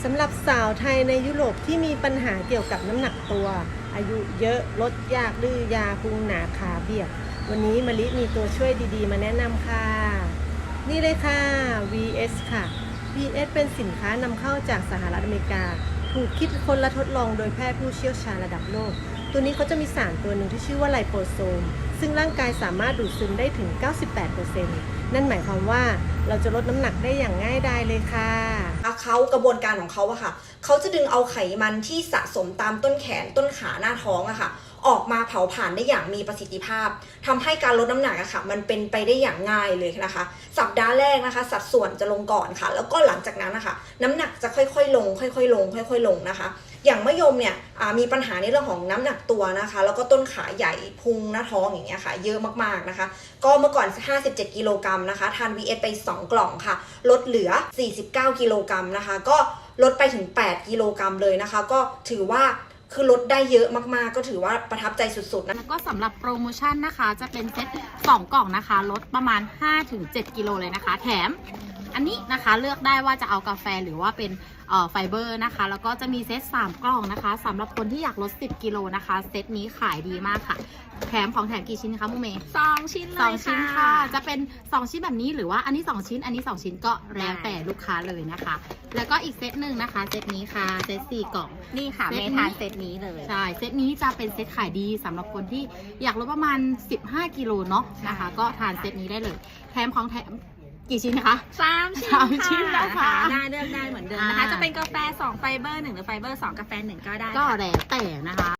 สำหรับสาวไทยในยุโรปที่มีปัญหาเกี่ยวกับน้ำหนักตัวอายุเยอะลดยากดื้อยาพุงหนาขาเบียดวันนี้มะลิมีตัวช่วยดีๆมาแนะนำค่ะนี่เลยค่ะ VS ค่ะ VS เป็นสินค้านำเข้าจากสหรัฐอเมริกาถูกคิดค้นและทดลองโดยแพทย์ผู้เชี่ยวชาญระดับโลกตัวนี้เขาจะมีสารตัวหนึ่งที่ชื่อว่าไลโปโซมซึ่งร่างกายสามารถดูดซึมได้ถึง 98% นั่นหมายความว่าเราจะลดน้ำหนักได้อย่างง่ายดายเลยค่ะเขากระบวนการของเขาอะค่ะเขาจะดึงเอาไขมันที่สะสมตามต้นแขนต้นขาหน้าท้องอะค่ะออกมาเผาผลาญได้อย่างมีประสิทธิภาพทำให้การลดน้ำหนักอะค่ะมันเป็นไปได้อย่างง่ายเลยนะคะสัปดาห์แรกนะคะสัดส่วนจะลงก่อนค่ะแล้วก็หลังจากนั้นนะคะน้ำหนักจะค่อยๆลงค่อยๆลงค่อยๆลงนะคะอย่างมะยมเนี่ยมีปัญหาในเรื่องของน้ำหนักตัวนะคะแล้วก็ต้นขาใหญ่พุงหน้าท้องอย่างเงี้ยค่ะเยอะมากๆนะคะก็เมื่อก่อน57กิโลกรัมนะคะทาน VS ไป2กล่องค่ะลดเหลือ49กิโลกรัมนะคะก็ลดไปถึง8กิโลกรัมเลยนะคะก็ถือว่าคือลดได้เยอะมากๆก็ถือว่าประทับใจสุดๆนะแล้วก็สำหรับโปรโมชั่นนะคะจะเป็นเซต2กล่องนะคะลดประมาณ 5-7 กิโลเลยนะคะแถมอันนี้นะคะเลือกได้ว่าจะเอากาแฟหรือว่าเป็นไฟเบอร์นะคะแล้วก็จะมีเซต3กล่องนะคะสำหรับคนที่อยากลด10กิโลนะคะเซตนี้ขายดีมากค่ะแถมของแถมกี่ชิ้นคะมุเมย์ 2 ชิ้นเลย 2 ชิ้นค่ะจะเป็น2ชิ้นแบบนี้หรือว่าอันนี้2ชิ้นอันนี้2ชิ้นก็แล้วแต่ลูกค้าเลยนะคะแล้วก็อีกเซตหนึ่งนะคะเซตนี้ค่ะเซต4กล่องนี่ค่ะเมทานเซตนี้เลยใช่เซตนี้จะเป็นเซตขายดีสำหรับคนที่อยากลดประมาณ15กิโลเนาะนะคะก็ทานเซตนี้ได้เลยแถมของแถมกี่ชิ้นนะคะ 3 ชิ้นนะคะได้เลือกได้เหมือนเดิมนะคะจะเป็นกาแฟ2ไฟเบอร์1หรือไฟเบอร์2กาแฟ1ก็ได้ก็แล้วแต่นะคะ